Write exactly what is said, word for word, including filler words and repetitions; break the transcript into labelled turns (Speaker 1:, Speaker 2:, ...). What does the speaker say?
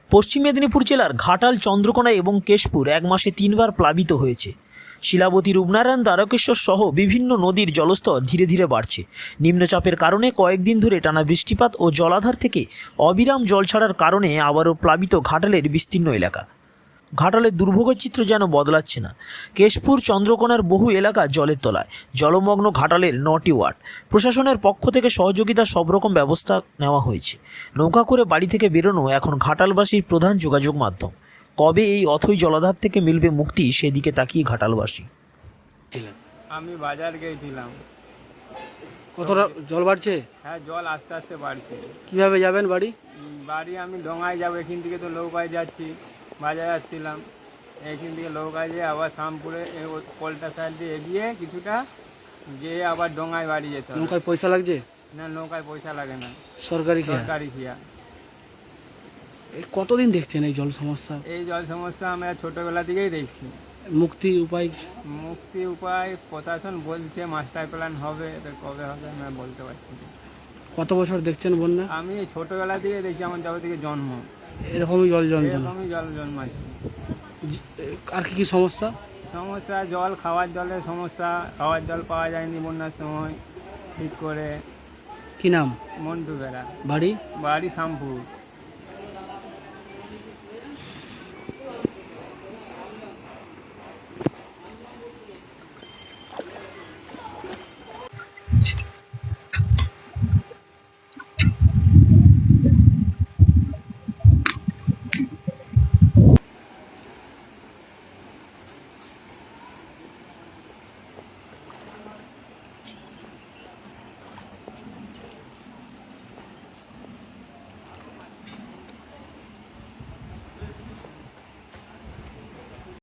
Speaker 1: পশ্চিম মেদিনীপুর জেলার ঘাটাল, চন্দ্রকোনা এবং কেশপুর এক মাসে তিনবার প্লাবিত হয়েছে। শিলাবতী, রূপনারায়ণ, দ্বারকেশ্বর সহ বিভিন্ন নদীর জলস্তর ধীরে ধীরে বাড়ছে। নিম্নচাপের কারণে কয়েকদিন ধরে টানা বৃষ্টিপাত ও জলাধার থেকে অবিরাম জল ছাড়ার কারণে আবারও প্লাবিত ঘাটালের বিস্তীর্ণ এলাকা। ঘাটালের দুর্ভোগের চিত্র যেন বদলাচ্ছে না। কেশপুর, চন্দ্রকোনার বহু এলাকা জলের তলায়। জলমগ্ন ঘাটালের নটি ওয়ার্ড। প্রশাসনের পক্ষ থেকে সহযোগিতা সব রকম ব্যবস্থা নেওয়া হয়েছে। নৌকা করে বাড়ি থেকে বেরোনো এখন ঘাটালবাসীর প্রধান যোগাযোগ মাধ্যম। কবে এই অথৈ জলাধার থেকে মিলবে মুক্তি, সেদিকে তাকিয়ে ঘাটালবাসী।
Speaker 2: আমি বাজার গিয়েছিলাম।
Speaker 3: কতটা জল বাড়ছে?
Speaker 2: হ্যাঁ, জল আস্তে আস্তে বাড়ছে।
Speaker 3: কিভাবে যাবেন বাড়ি?
Speaker 2: উম, বাড়ি আমি ডোঙায় যাবো, এখান থেকে তো নৌকায় যাচ্ছি। বাজারে আসছিলাম, এখান থেকে নৌকায় যেয়ে আবার শামপুরে কলটা সাইড দিয়ে এগিয়ে কিছুটা গিয়ে আবার ডোঙায় বাড়ি যেতে হবে।
Speaker 3: নৌকায় পয়সা লাগছে?
Speaker 2: না, নৌকায় পয়সা লাগে না,
Speaker 3: সরকারি খেয়া?
Speaker 2: সরকারি খিয়া।
Speaker 3: এই কতদিন দেখছেন এই জল সমস্যা?
Speaker 2: এই জল সমস্যা আমরা ছোটোবেলা থেকেই দেখছি।
Speaker 3: মুক্তি উপায়?
Speaker 2: মুক্তি উপায় প্রশাসন বলছে মাস্টার প্ল্যান হবে, এটা কবে হবে আমরা বলতে পারছি না।
Speaker 3: কত বছর দেখছেন বন্যা?
Speaker 2: আমি এই ছোটোবেলা থেকে দেখছি, আমার যবে থেকে জন্ম
Speaker 3: এরকমই জল যন্ত্রণা?
Speaker 2: এরকমই জল জন্মাচ্ছে।
Speaker 3: আর কি কি সমস্যা?
Speaker 2: সমস্যা জল, খাওয়ার জলের সমস্যা। খাওয়ার জল পাওয়া যায়নি বন্যার সময় ঠিক করে।
Speaker 3: কি নাম?
Speaker 2: মন্টু বেড়া,
Speaker 3: বাড়ি?
Speaker 2: বাড়ি শামপুর।